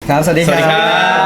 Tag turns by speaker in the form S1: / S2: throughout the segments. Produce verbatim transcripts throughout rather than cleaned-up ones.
S1: ครับสวัสดีครับ
S2: สวัสดีครับ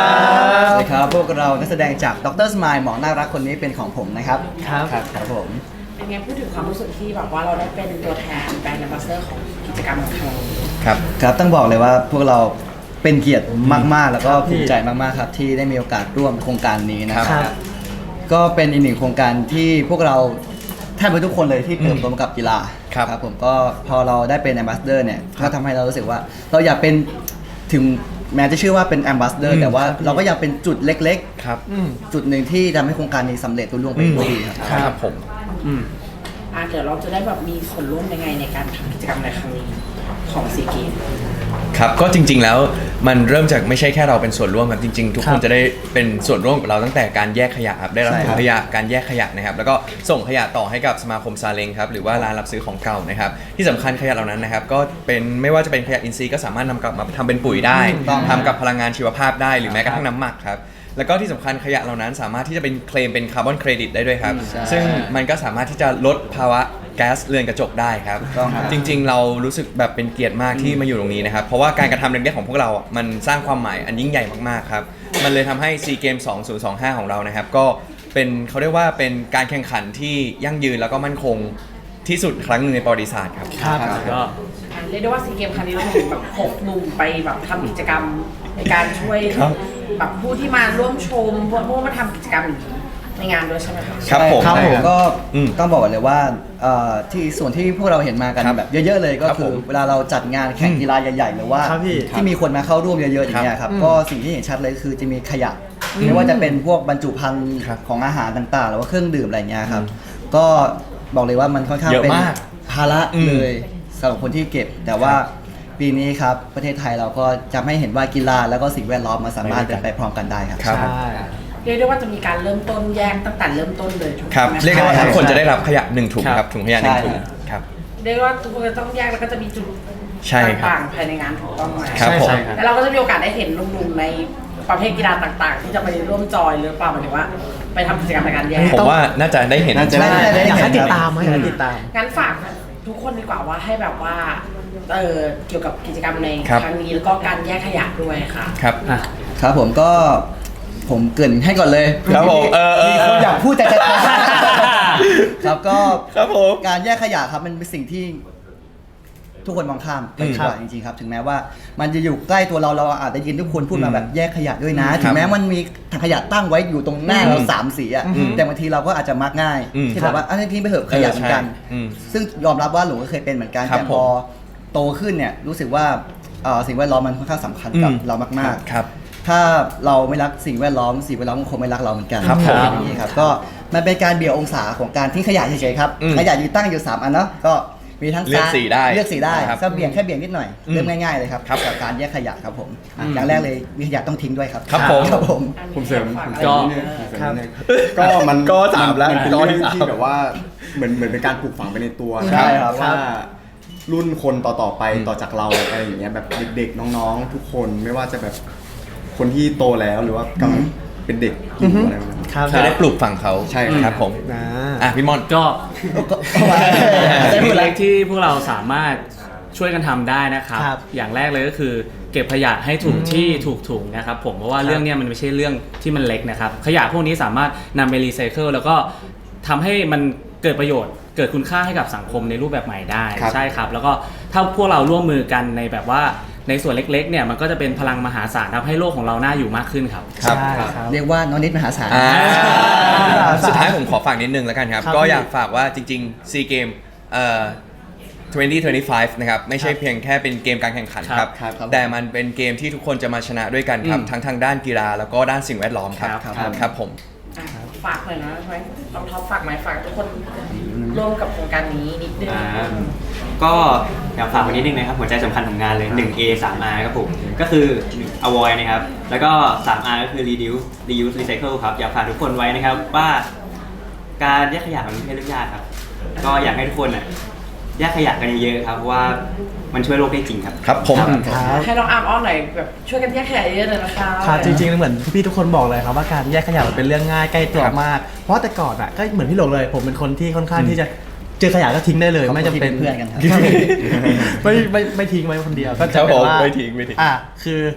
S1: สวัสดีครับพวกเรานักแสดงจากดรสมายหมอน่ารักคนนี้เป็นของผมนะครับ
S3: ครับ
S1: ครับครับผม
S4: เป็นไงพูดถึงความรู้สึกที่แบบว่าเราได้เป็นตัวแทนแบรนด์แอมบาสเดอร์ของกิจกรรมของเรา
S2: ครับ
S1: ครับต้องบอกเลยว่าพวกเราเป็นเกียรติมากๆ แล้วก็ภูมิใจมากๆครับที่ได้มีโอกาสร่วมโครงการนี้นะค
S3: ครั
S1: รับ
S3: บ
S1: ก็เป็นอีกหนึ่งโครงการที่พวกเราแทบจะทุกคนเลยที่เติบโตมากับกีฬา
S2: ครับ
S1: ผมก็พอเราได้เป็นแอมบาสเดอร์เนี่ยก็ทำให้เรารู้สึกว่า เราอยากเป็นถึงแม้จะชื่อว่าเป็นแอมบาสเดอร์แต่ว่าเราก็อยากเป็นจุดเล็ก
S2: ครับ
S1: ๆ จุดหนึ่งที่ทำให้โครงการนี้สำเร็จรุ่ล่วงไปด้วยดีครับ
S2: ครับผม
S4: อ่ะเดี๋ยวเราจะได้แบบมีส่วนร่วมยังไงในการทำกิจกรรมในครั้งนี้ของซีเกม
S2: ครับก็จริงๆแล้วมันเริ่มจากไม่ใช่แค่เราเป็นส่วนร่วมครับจริงๆ ทุกคนจะได้เป็นส่วนร่วมกับเราตั้งแต่การแยกขยะครับได้รับ
S1: ใช่
S2: ถุ
S1: ครั
S2: ง
S1: บ
S2: ขยะการแยกขยะนะครับแล้วก็ส่งขยะต่อให้กับสมาคมซาเล้งครับหรือว่าร้านรับซื้อของเก่านะครับที่สำคัญขยะเหล่านั้นนะครับก็เป็นไม่ว่าจะเป็นขยะอินทรีย์ก็สามารถนำกลับมาทำเป็นปุ๋ยได้
S1: ถูกต้อง
S2: ทำกับพลังงานชีวภาพได้หรือแม้กระทั่งน้ำหมักครับแล้วก็ที่สำคัญขยะเหล่านั้นสามารถที่จะเป็นเคลมเป็นคาร์บอนเครดิตได้ด้วยครับซึ่งมันก็สามารถที่จะลดภาวะแก๊สเรือนกระจกได้ครับ
S1: ต้องครับ
S2: จริงๆ เรารู้สึกแบบเป็นเกียรติมากที่มาอยู่ตรงนี้นะครับเพราะว่าการกระทำเล็กๆของพวกเราอ่ะมันสร้างความหมายอันยิ่งใหญ่มากๆครับมันเลยทำให้ซีเกมสองพันยี่สิบห้าของเรานะครับก็เป็นเขาเรียกว่าเป็นการแข่งขันที่ยั่งยืนแล้วก็มั่นคงที่สุดครั้งหนึ่งในประวัติศาสตร์ครับ
S3: ครับ
S1: ครับ
S3: ก็
S4: อ่ะเรียกได้ว่าซีเกมครั้งนี้เราเห็นแบบหกหนุ่มไปแบบทำกิจกรรมในการช่วย
S2: ครับ
S4: แบบผู้ที่มาร่วมชมผู้มาทำกิจกรรมอย่างนี้ในงานด้วยใช่ไหมคะ
S2: ครับผม
S1: ครับผมก็
S2: อืม
S1: ต้องบอกก่อนเลยว่าเอ่อที่ส่วนที่พวกเราเห็นมากัน
S2: ครับ
S1: แบบเยอะๆเลยก็
S2: ครับ
S1: คื
S2: ผ
S1: อ
S2: ม
S1: เวลาเราจัดงานแข่งกีฬาใหญ่ๆหรือว่า
S3: ครับพี่
S1: ที่มีคนมาเข้าร่วมเยอะๆอย่างเงี้ยครับก็สิ่งที่เห็นชัดเลยคือจะมีขยะไม่ว่าจะเป็นพวกบรรจุภัณฑ์
S2: ครับ
S1: ของอาหารต่างๆ หรือว่าเครื่องดื่มอะไรเงี้ยครับก็บอกเลยว่ามันค่อนข้าง
S2: เยอะ
S1: เป็น
S2: มาก
S1: ภาระ
S2: อืม
S1: เลยสำหรับคนที่เก็บ แต่ว่าปีนี้ครับประเทศไทยเราก็จะให้เห็นว่ากีฬาแล้วก็สิ่งแวดล้อมมันสามารถ
S2: ไปด้วยกัน
S1: เป็นไปพร้อมกันได้ครับ
S2: ครับ
S3: ใช่
S4: เรียกได้ว่าจะมีการเริ่มต้นแยกตั้งแต่เริ่มต้นเลยถูก
S2: ครับ
S4: ไหมคะ
S2: เรียกได้ว่า
S1: ใช่
S2: ทุกคนจะได้รับขยะหนึ่งถุง
S3: ครับ
S2: ครับถุงขยะหนึ่ง
S1: ใช่
S2: ถุงครับ
S4: เรียกได้ว่าทุกคนจะต้องแยกแล้วก็จะมีจุด
S2: ใช่ครับ
S4: ต่างๆภายในงานถูกต้องไหม
S2: ครับผม
S3: ใช่ครับ
S4: แล้วเราก็จะมีโอกาสได้เห็นหนุ่มๆในประเภทกีฬาต่างๆ ที่จะไปร่วมจอยหรือเปล่าหมายถึงว่า ไปทำกิจกรรมในการแยก
S2: ผมว่าน่าจะได้เห็น
S1: น่าจะ
S3: ใช่
S1: ได้
S3: อยากให้
S1: เห็น
S3: ติด
S1: ครับ
S3: ตามไหมอยากให้ติดตาม
S4: งั้นฝากทุกคนดีกว่าว่าให้แบบว่าเออเกี่ยวกับกิจกรรมใน
S2: ครับ
S4: ครั้งนี้แล้วก็การแยกขยะด้วยค่ะ
S2: ครับ
S3: อ่ะ
S1: ครับผมก็ผมเกรินให้ก่อนเลย
S2: ครับผมเออเออ
S1: มีคนอยากพูดแต่จะ ครับก็
S2: ครับผม
S1: การแยกขยะครับมันเป็นสิ่งที่ทุกคนมองข้ามไปดีกว่าจริงๆครับ ถึงแม้ว่ามันจะอยู่ใกล้ตัวเราเราอาจจะยินทุกคนพูดมาแบบแยกขยะด้วยนะ
S2: ครับ
S1: ถึงแม้มันมีถังขยะตั้งไว้อยู่ตรงหน้าเราสามสีอะ
S2: อืม
S1: แต่บางทีเราก็อาจจะมักง่าย
S2: อืม
S1: ที่แบบว่าอันนี้ทิ้งไปเถอะขยะเหมือนกัน
S2: เออใช่อืม
S1: ซึ่งยอมรับว่าหลงก็เคยเป็นเหมือนกัน
S2: ครับ
S1: แต่พอโตขึ้นเนี่ยรู้สึกว่าเอ่อสิ่งแวดล้อมมันค่อนข้างสำคัญกับ
S2: อืม
S1: เรามากๆ
S2: ครับ
S1: ถ้าเราไม่รักสิ่งแวดล้อมสิ่งแวดล้อมก็คงไม่รักเราเหมือนกัน
S2: ครับผม
S1: อย่างนี้ครับก็มันเป็นการเบี่ยงองศาของการทิ้งขยะเฉยๆครับ
S2: อืม
S1: ขยะอยู่ตั้งอยู่สามอันเนาะก็มีทั้ง
S2: เลือกสีได้
S1: เลือกสีได้
S2: ครับ
S1: ก็เบี่ยงแค่เบี่ยงนิดหน่อย
S2: อืม
S1: เริ่มง่ายๆเลยครับ
S2: ครับ
S1: กับการแยกขยะครับผมอ่ะอย่างแรกเลยมีขยะต้องทิ้งด้วยครับ
S2: ครับผม
S1: ครับผม
S5: ผมเสริม
S4: ฝาก
S5: ผม
S4: อะไร
S5: เสริม
S3: ก็
S5: นิดนึงผมเสริม
S3: ครับ
S5: นิดนึงก็มัน
S2: ก็สามแล้ว
S5: นเป็น
S2: ก็
S5: เรื่
S2: ที่
S5: อง
S2: สาม
S5: ที่แบบว่าเหมือนเหมือนเป็นการปลูกฝังไปในตัว
S1: ใช่ครับ
S5: ว่ารุ่นคนต่อๆไปต่อจากเราอะไรอย่างเงี้ยแบบเด็กๆน้องๆ ทุกคนไม่ว่าจะแบบคนที่โตแล้วหรือว่ากำลังเป็นเด็กอยู่อะไรแบบนั้น
S3: ครับ
S2: จะได้ปลูกฝังเขา
S5: ใช่ครับ
S2: ครับผม
S3: นะ
S2: อ่ะพี่มอน
S6: ก็
S1: ได้
S6: สิ่ง
S1: หมดแล้ว
S6: เล็กๆที่พวกเราสามารถช่วยกันทำได้นะครับ
S3: ครับ
S6: อย่างแรกเลยก็คือเก็บขยะให้ถูกที่ถูกถุงนะครับผมเพราะว่าเรื่องเนี้ยมันไม่ใช่เรื่องที่มันเล็กนะครับ ขยะพวกนี้สามารถนำไปรีไซเคิลแล้วก็ทำให้มันเกิดประโยชน์ เกิดคุณค่าให้กับสังคมในรูปแบบใหม่ได้
S5: ครับ
S6: ใช่ครับ แล้วก็ถ้าพวกเราร่วมมือกันในแบบว่าในส่วนเล็กๆเนี่ยมันก็จะเป็นพลังมหาศาลทำให้โลกของเราน่าอยู่มากขึ้นครับ
S2: ครับ
S3: ใช่ครับ
S1: เรียกว่าน้องนิดมหาศาล
S2: อ่าสุดท้ายผมขอฝากนิดนึงแล้วกันครับ
S3: ครับ
S2: ก็
S3: พี่
S2: อยากฝากว่าจริงๆ ซีเกมเอ่อยี่สิบยี่สิบห้านะครับไม่ใช่เพียงแค่เป็นเกมการแข่งขันครับ
S1: ครับครับ
S2: แต่มันเป็นเกมที่ทุกคนจะมาชนะด้วยกันครับ
S6: อืม
S2: ทั้งทางด้านกีฬาแล้วก็ด้านสิ่งแวดล้อมครับ
S6: ครับ
S2: ครับผม
S4: อ่ะฝากหน่อยนะไหมลองท็อปฝากไหมฝากทุกคนร่วมกับโครงการนี้นิดนึง
S7: อ่าก็อยากฝากไว้นิดนึงนะครับหัวใจสำคัญของงานเลย หนึ่ง เอ สาม อาร์ ครับผมก็คือ avoid นะครับ แล้วก็ สาม อาร์ ก็คือ reduce reuse recycle ครับ อยากฝากทุกคนไว้นะครับว่าการแยกขยะมันไม่ใช่เรื่องยากครับ ก็อยากให้ทุกคนน่ะแยกขยะกันเยอะๆครับเพราะว่ามันช่วยโลกได้จริงครับ
S2: ครับผม
S3: ครับ
S4: ให้น้องอาร์มอ้อนหน่อยแบบช่วยกันแยกขยะเยอะเลยนะคะ
S3: ครับจริงๆเหมือนพี่ๆทุกคนบอกเลยครับว่าการแยกขยะมันเป็นเรื่องง่ายใกล้ตัวมาก เพราะแต่ก่อนอ่ะก็เหมือนพี่หลงเลย ผมเป็นคนที่ค่อนข้างที่จะเจอขยะก็ทิ้งได้เลย ไม่จำเป็น
S1: เพื่อนกันครับ
S3: ไม่ไม่ไม่ทิ้งไว้คนเดียวก็
S2: ครั
S3: จะ
S2: บ
S3: เป็น
S2: ผม
S3: ว่า
S2: ไม่ทิ้งไม่ทิ้ง
S3: อ่ะคือ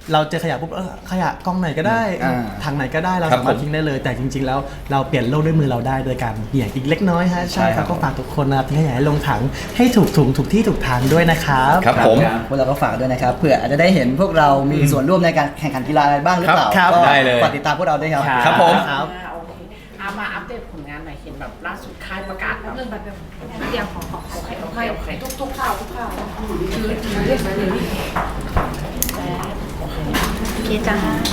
S3: เราเจอขยะปุ๊บเออขยะกองไหนก็ได้
S1: อ่า
S3: ถังไหนก็ได้เรา
S2: ครับ
S3: สามารถ
S2: ผม
S3: ทิ้งได้เลย แต่จริง ๆ แล้วเราเปลี่ยนโลกด้วยมือเราได้โดยการเบี่ยงอีกเล็กน้อยฮะใช่
S1: ใช่
S3: ค
S1: ครั
S3: รับบ ก็ฝากทุกคนนะครับทิ้งขยะให้ลงถังให้ถูกถุงถูกที่ถูกทางด้วยนะครับ
S2: ครับผม
S1: พวกเราก็ฝากด้วยนะครับเผื่ออาจจะได้เห็นพวกเรามีส่วนร่วมในการแข่งขันกีฬาอะไรบ้างหรือเปล่า
S3: ครับ
S1: ก็
S2: ได้เลย
S1: ฝากติดตามพวกเราด้วยครับ
S2: ครับผม
S3: ครับ
S4: อ่าโอเคเอามาอัปเดตผลงานหน่อยเห็นแบบล่าสุดค่ายประกาศแบบ
S8: เรื่องแบบเดียวของของ
S4: โอเคโอเคโอเค
S8: ทุกทุกข่าวทุกข่าวคือเรียกมาเลยคิดจ้า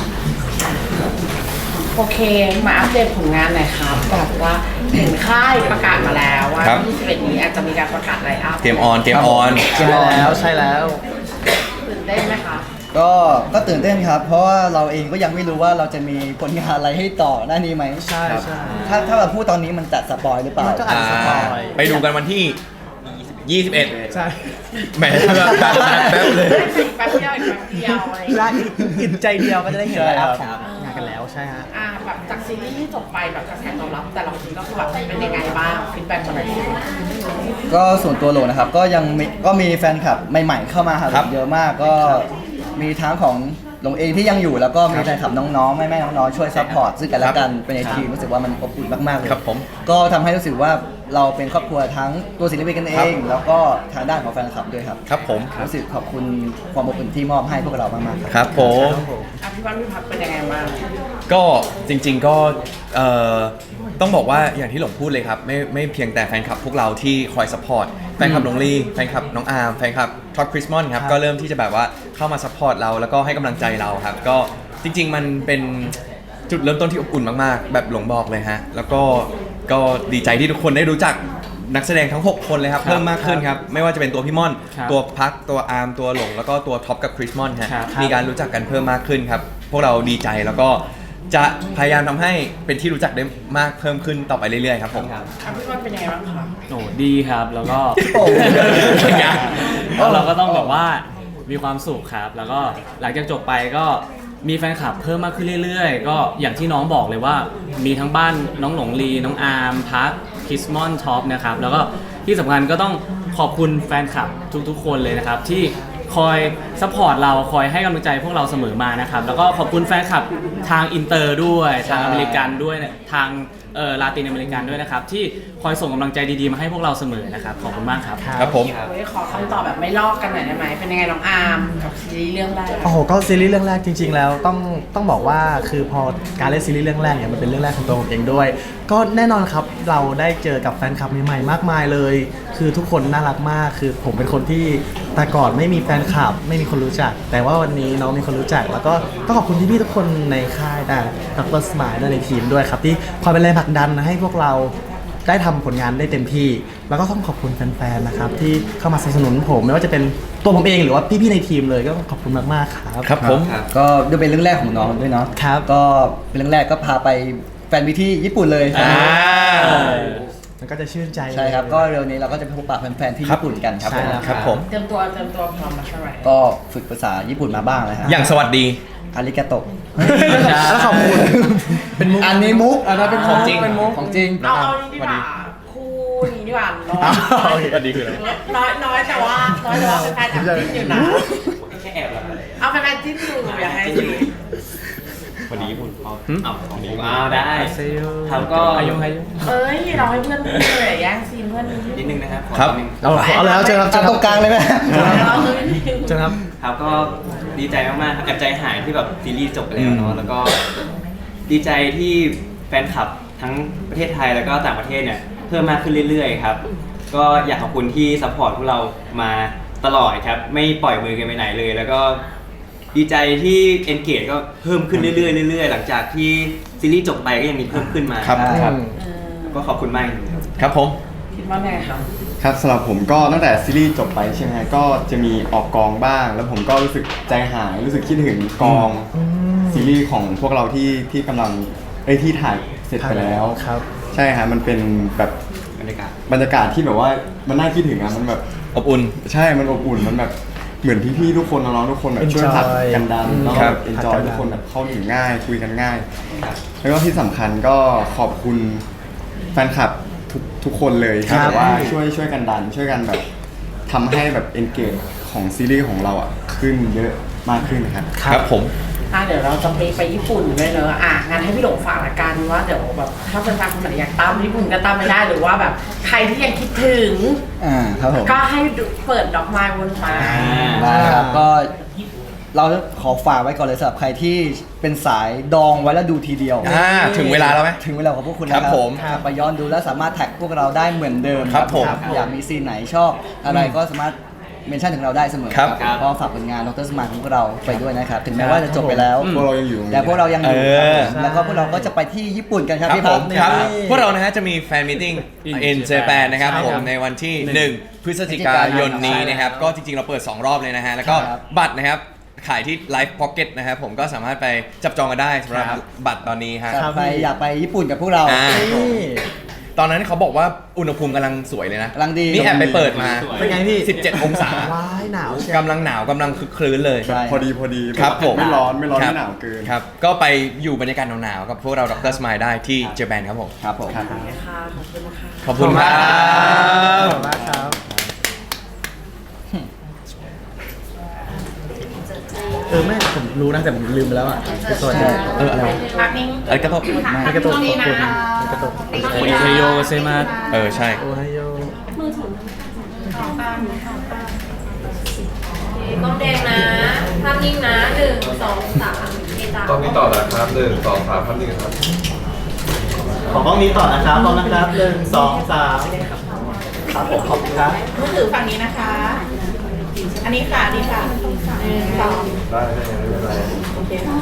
S4: โอเคมาอัปเดตผลงานหน่อยครับแบบว่าเห็นค่ายประกาศมาแล้วว่า
S2: ครับ
S4: ยี่สิบเอ็ดนี้อาจจะมีการประกาศไลน์อัพ
S2: เกมออนเกมออน
S3: ใช่แล้วใช่แล้ว
S4: ตื่นเต้นไหมคะ
S1: ก็ก็ตื่นเต้นครับ เพราะว่าเราเองก็ยังไม่รู้ว่าเราจะมีผลงานอะไรให้ต่อหน้านี้ไหม
S3: ใช่ใช่
S1: ถ้าถ้าเราพูดตอนนี้มันจะสปอยหรือเปล่า
S3: มันก็อาจจะ สปอย
S2: ไปดูกันวันที่ ยี่สิบเอ็ด
S3: ใช่
S2: แหมแบบแป๊บแป๊บเลย
S4: แป๊บเดียวอีกแป๊บเดียวอะไรอย่าง
S3: และ
S4: เงี้ย
S3: อิ่มใจเดียวก็จะได้เห็น
S1: ใช่
S3: แล้ว
S1: ครับ
S3: ของงานกันแล้วใช่ฮะ
S4: อ่าแบบจากซีรีส์ที่จบไปแบบกระแสตอบรับแต่ละคนก็คือแบบเป็นยังไงบ้างฟีดแบ็กมาหน่อยสิ
S1: ก็ส่วนตัวโหลนะครับก็ยังมีก็มีแฟนคลับใหม่ๆเข้ามาหา
S2: ครับ
S1: เยอะมากก็มีทั้งของหลงเองที่ยังอยู่แล้วก็มีแฟนคลับน้องๆแม่ๆน้องๆช่วยซัพพอร์ตซึ่งกันและกันเป็นในทีมรู้สึกว่ามันอบอุ่นมากๆเลย
S2: ครับผม
S1: ก็ทำให้รู้สึกว่าเราเป็นครอบครัวทั้งตัวศิลปินกันเอง แล้วก็ทางด้านของแฟนคลับด้วยครับ
S2: ครับผม
S1: รู้สึกขอบคุณความอบอุ่นที่มอบให้พวกเรามากๆครับ
S2: ครับผม
S4: อ่ะพี่วันพี่พักเป็นยังไงบ้าง
S2: ก็จริงๆก็เอ่อต้องบอกว่าอย่างที่หลงพูดเลยครับไม่ไม่เพียงแต่แฟนคลับพวกเราที่คอยสปอร์ตแฟนคลับน้องลี่แฟนคลับน้องอาร์มแฟนคลับท็อปคริสมอนครับ
S3: ครับ
S2: ก็เริ่มที่จะแบบว่าเข้ามาสปอร์ตเราแล้วก็ให้กำลังใจเราครับ ก็จริง ๆ มันเป็นจุดเริ่มต้นที่อบอุ่นมากๆ แบบหลงบอกเลยฮะแล้วก็ก็ดีใจที่ทุกคนได้รู้จักนักแสดงทั้งหกคนเลยครับเพิ่มมากขึ้นครับไม่ว่าจะเป็นตัวพี่ม่อน
S6: ครับ
S2: ตัวพักตัวอาร์มตัวหลงแล้วก็ตัวท็อปกับคริสมอนฮะ
S6: ครับ
S2: มีการรู้จักกันเพิ่มมากขึ้นครับพวกเราดีใจแล้วก็จะพยายามทำให้เป็นที่รู้จักได้มากเพิ่มขึ้นต่อไปเรื่อยๆครับผม
S4: อ่ะพี่วันเป็นยังไงบ้างคะ
S6: โอ้ดีครับแล้วก็
S1: โอ้
S6: แล้วเราก็ต้องแบบว่ามีความสุขครับ แล้วก็หลังจากจบไปก็มีแฟนคลับเพิ่มมากขึ้นเรื่อยๆ ก็อย่างที่น้องบอกเลยว่ามีทั้งบ้านน้องหลงลีน้องอาร์มพักคิสมอนท็อปนะครับแล้วก็ที่สำคัญก็ต้องขอบคุณแฟนคลับทุกๆ คนเลยนะครับที่คอยซัพพอร์ตเราคอยให้กำลังใจพวกเราเสมอมานะครับแล้วก็ขอบคุณแฟนคลับทางอินเตอร์ด้วยทางอเมริกันด้วยทางเอ่อลาตินอเมริกันด้วยนะครับที่คอยส่งกำลังใจดีๆมาให้พวกเราเสมอนะครับขอบคุณมากครับ
S2: ครับผม
S4: เฮ้ยขอคำตอบแบบไม่ลอกกันหน่อยได้ไหมเป็นยังไงน้องอาร์มกับซีรีส์เรื่องแรก
S3: โอ้โหก็ซีรีส์เรื่องแรกจริง ๆ แล้วต้องต้องบอกว่าคือพอการเล่นซีรีส์เรื่องแรกเนี่ยมันเป็นเรื่องแรกของตัวผมเองด้วย ก็แน่นอนครับเราได้เจอกับแฟนคลับใหม่ๆมากมายเลย คือทุกคนน่ารักมากคือผมเป็นคนที่แต่ก่อนไม่มีแฟนคลับไม่มีคนรู้จัก แต่ว่าวันนี้น้องมีคนรู้จัก แล้วก็ต้องขอบคุณพี่ๆทุกคนในค่ายนะดรสมายด้วยในทีมด้วยครับที่คอยเป็นแรงผลักดันให้พวกเราได้ทำผลงานได้เต็มที่ แล้วก็ต้องขอบคุณแฟนๆนะครับที่เข้ามาสนับสนุนผมไม่ว่าจะเป็นตัวผมเองหรือว่าพี่ๆในทีมเลยก็ขอบคุณมากๆครับ
S2: ครับผม
S1: ก็ด้วยเป็นเรื่องแรกของน้องด้วยเนาะ
S3: ครับ
S1: ก็เป็นเรื่องแรกก็พาไปแฟนมิตที่ญี่ปุ่นเลย
S2: อ่า
S3: มันก็จะชื่นใจ
S1: ใช่ครับก็เร็วนี้เราก็จะไปพบปะแฟนๆที่ญี่ปุ่นกันครับ
S3: ใช่แล้ว
S2: ครับผม
S4: เตรียมตัวเตรียมตัวพร้อมมาใช่ไหม
S1: ก็ฝึกภาษาญี่ปุ่นมาบ้างแล้วฮะ
S2: อย่างสวัสดี
S1: อาริกาโตะ
S3: แล้วขอบคุณเป็นมุก
S1: อันนี้มุก
S3: อันนั้นเป็นของจริง
S1: เป็นมุกของจริง
S4: เอาเอานี่ดีกว่าคู่นี้ดีกว่าน้อย
S2: สวัสดีคืออะไร
S4: น้อยน้อยแต่ว่าน้อยแต่ว่าเป็นแฟนแอบจิ้นอยู่นะ
S7: แค่แอบแบบ
S4: เอาเป็นแฟนจิ้นอยู่อยากให้จิ้น
S7: พอดีคุณเอาเอาของดีอ้าวได้
S3: เซล
S7: ครับก็
S6: อายุอายุ
S4: เอ้ยเราให้เพื่อนพูดเลยแย่งซีนเพื่อนนิด
S7: นิดนึงนะครับขอ
S2: ครับ
S7: นิดนึง
S3: เอาเอาแล้วเจอครับเจ
S1: จั
S3: อบ ค
S1: ต
S3: รั
S1: ร
S3: บ
S1: งกลางเลยไหม
S4: เราเลย
S3: เจอครับ
S7: ครับก็ดีใจมากๆครับแอบใจหายที่แบบซีรีส์จบไปแล้วเนาะแล้วก็ดีใจที่แฟนคลับทั้งประเทศไทยแล้วก็ต่างประเทศเนี่ยเพิ่มมากขึ้นเรื่อยๆครับก็อยากขอบคุณที่ซัพพอร์ตพวกเรามาตลอดครับไม่ปล่อยมือกันไปไหนเลย แล้วก็ดีใจที่ engage ก็เพิ่มขึ้นเรื่อยๆเรื่อยๆหลังจากที่ซีรีส์จบไปก็ยังมีเพิ่มขึ้นมา
S2: ครับ
S1: ครับ
S7: ก็ขอบคุณมากจริงๆครับ
S2: ครับผม
S4: คิดว่าไงครับ
S5: ครับสำหรับผมก็ตั้งแต่ซีรีส์จบไปใช่ไหมฮะก็จะมีออกกองบ้าง แล้วผมก็รู้สึกใจหายรู้สึกคิดถึงกองซีรีส์ของพวกเราที่ที่กำลังไอ้ยที่ถ่ายเสร็จไปแล้ว
S3: ครับ
S5: ใช่ฮะมันเป็นแบบ
S7: บรรยากาศ
S5: บรรยากาศที่แบบว่ามันน่าคิดถึงอะมันแบบ
S2: อบอุ่น
S5: ใช่มันอบอุ่นมันแบบเหมือนพี่ๆทุกคนน้องๆทุกคนแบบช่วย
S3: Enjoy
S5: ผลักกันดันแล้วก็
S2: ครั
S5: แบบ บเอนจอย
S3: ผลักกันดัน
S5: ทุกคนแบบเข้าถึงง่ายคุยกันง่าย แล้วก็ที่สำคัญก็ขอบคุณแฟนคลับทุกทุกคนเลยที่แบบว่าช่วยช่วยกันดัน ช่วยกันแบบทำให้แบบ engage ของซีรีส์ของเราอ่ะขึ้นเยอะมากขึ้นนะครับ
S2: ครับผม
S4: อ่ะเดี๋ยวเราจะไปไปญี่ปุ่นด้วยเนอะอ่ะงั้นให้พี่หลงฝากละกันว่าเดี๋ยวแบบถ้าเป็นแฟนคนไหนอยากตามญี่ปุ่นก็ตามไม่ได้หรือว่าแบบใครที่ยังคิดถึง
S1: อ่าครับผม
S4: ก็ให้ดูเปิดดอกไม้บนฟ้า
S1: ได้ครับก็เราขอฝากไว้ก่อนเลยสำหรับใครที่เป็นสายดองไว้แล้วดูทีเดียว
S2: อ่าถึงเวลาแล้วไหม
S1: ถึงเวลาของพวกคุณแล้ว
S2: ครับผม
S1: กลับไปย้อนดูแล้วสามารถแท็กพวกเราได้เหมือนเดิม
S2: ครับผม
S1: อยากมีซีนไหนชอบอะไรก็สามารถเมนชั่นถึงเราได้เสมอ
S2: ครับ
S1: ก็ฝากผลงานดรสมานของพวกเราไปด้วยนะครับ ถึงแม้ว่าจะจบไปแล้ว
S5: พวกเรายังอยู่
S1: แต่พวกเรายังอยู่
S2: เออ
S1: ครับผมแล้วก็พวกเราก็จะไปที่ญี่ปุ่นกันครับ
S2: ครับ
S1: พี่
S2: ผ
S1: พับ
S2: ม
S1: เนี่ย
S2: ครับพวกเรานะฮะจะมีแฟนมิทติ้ง
S6: In
S2: in
S6: Japan
S2: Japan นะครับ
S6: ใช่
S2: ผม
S6: ครับ
S2: ในวันที่
S6: หนึ่ง
S2: หนึ่งพฤศจิกายนนี้นะครับ ก็จริงๆ เราเปิด สอง รอบเลยนะฮะ แล้วก็
S1: ครับ
S2: บัตรนะครับ ขายที่ Live Pocket นะครับผมก็สามารถไปจับจองกันได้สำหรับ
S3: ครับ
S2: บัตรตอนนี้ฮะ
S1: ครับไปอยากไปญี่ปุ่นกับพวกเรา
S2: อ่า
S3: นี่
S2: ตอนนั้นเขาบอกว่าอุณหภูมิกำลังสวยเลยนะ
S1: กำลังดี
S2: นี่แอบไปเปิดมา
S3: เป็นไงพี่
S2: สิบเจ็ด องศา
S3: ว้ายหนาวเชียว
S2: กำลังหนาวกำลังคึกคลื้นเลย
S1: ใช่
S5: พอดีพอดี
S2: ครับผม
S5: ไม่ร้อนไม่ร้อน
S2: คบ
S5: ไม่หนาวเกิน
S2: ครับ ก็ไปอยู่บรรยากาศหนาวๆกับพวกเราดรสมายได้ที่เจแปนครับผม
S1: ครับผม
S4: ค่ะขอบคุณค่ะ
S2: ขอบคุณครับ
S3: ขอบคุณมากครับ เออไม่ผมรู้นะแต่ผมลืมไปแล้วอ่ะสวัสดีเอออะไรวะ
S8: พักนิ่ง
S2: เอ้ยกระทบ
S3: ไม่กระตุกขอบคุณไม่กระตุก
S6: โอเทโยเซมา
S2: เออใช่
S3: โอไฮโอ
S8: ต้องแดงนะภาพนิ่งนะหนึ่งสองสามเอตา
S9: ต้องนี้ต่อนะครับหนึ่งสองสามพันหนึ่งครับ
S3: ขอกล้องนี้ต่อนะครับพร้อมนะครับหนึ่งสองสามครับผมขอบคุณครับ
S10: มือถือฝั่งนี้นะคะ อันนี้ค่ะอันนี้ค่ะหนึ่งสอง
S9: ได้ได้ไม่เป็นไร
S10: โอเคค่ะ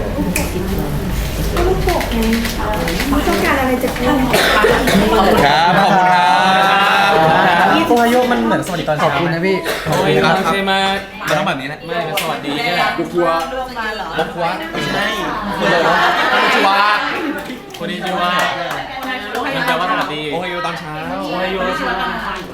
S10: ลูกโป่งไม่ต้องการอะไรจากคุณ
S2: ครับ ขอบคุณครับ
S3: โอไฮโอมันเหมือนสวัสดีตอน
S1: ข
S3: เช้า
S1: อบคุณนะพี่
S6: โอเทโยเซมา
S2: มันต้องแบบนี้นะ
S6: ไม่ก็สวัสดีนี่แหละ
S5: กลัว
S10: ร่วมมาเหรอ
S2: บอกว่าไม่ใช่คืออะไรวะชัว
S6: คนนี้ชื่อว่ามันแปลว่าสวัสดี
S2: โอไฮโอตอนเช้า
S6: โอเทโยเซมา